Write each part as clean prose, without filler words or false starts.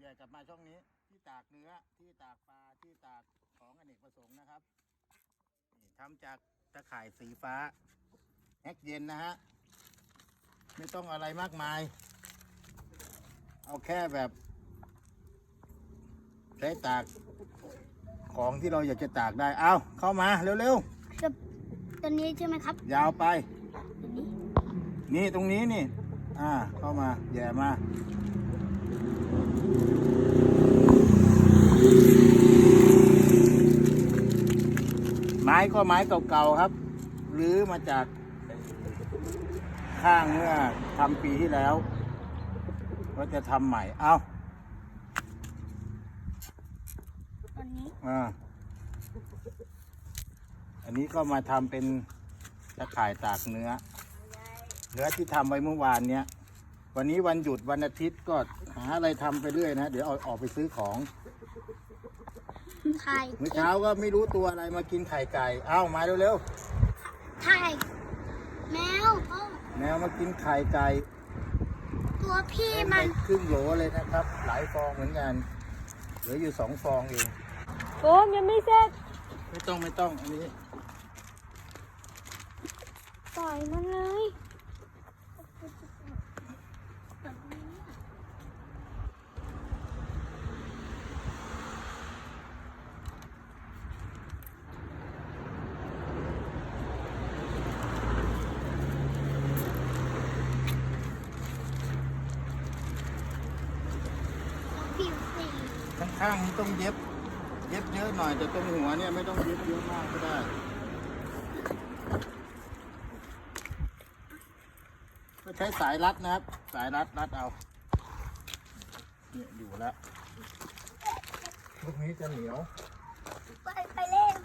ญ่กลับมาช่องนี้ที่ตากเนื้อที่ตากปลาที่ตากของอเนกประสงค์นะครับนี่ทำจากตะข่ายสีฟ้าแฮกเย็นนะฮะไม่ต้องอะไรมากมายเอาแค่แบบใช้ตากของที่เราอยากจะตากได้เอาเข้ามาเร็วๆตัวนี้ใช่ไหมครับยาวไปนี่ตรงนี้นี่เข้ามาแย่มาไม้ก็ไม้เก่าๆครับหรือมาจากข้างเมื่อทำปีที่แล้วก็จะทำใหม่เอาตอนนี้อันนี้ก็มาทำเป็นตะข่ายตากเนื้อที่ทำไว้เมื่อวานเนี้ยวันนี้วันหยุดวันอาทิตย์ก็หาอะไรทำไปเรื่อยนะเดี๋ยวออกไปซื้อของไข่เมื่อเช้าก็ไม่รู้ตัวอะไรมากินไข่ไก่เอ้ามาเร็วๆไข่แมวแมวมากินไข่ไก่ตัวพี่มันครึ่งโหลเลยนะครับหลายฟองเหมือนกันเหลืออยู่2 ฟองเองโอ้ยังไม่เสร็จไม่ต้องอันนี้ปล่อยมันเลยข้างๆมันต้องเย็บเยอะหน่อยแต่ตรงหัวเนี่ยไม่ต้องเย็บเยอะมากก็ได้ก็ใช้สายรัดนะครับสายรัดเอาเนี่ยอยู่แล้วลูกนี้จะเหนียวไปเล่น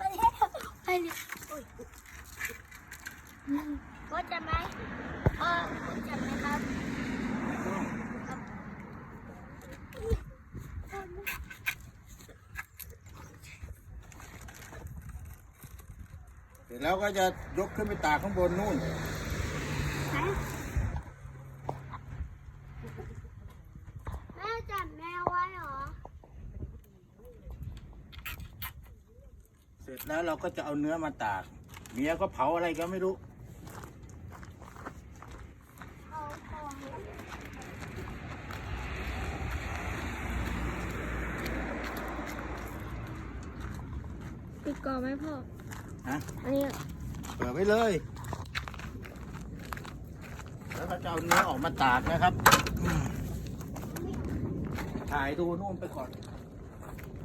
ก็จะไหมจะไหมครับเสร็จแล้วก็จะยกขึ้นไปตากข้างบนนู่นแม่จับแมวไว้เหรอเสร็จแล้วเราก็จะเอาเนื้อมาตากเมียก็เผาอะไรก็ไม่รู้ปิดก่อนไหมพ่ออันนี้เปิดไว้เลยแล้วก็จะเอาเนื้อออกมาตากนะครับถ่ายดูนู่นไปก่อน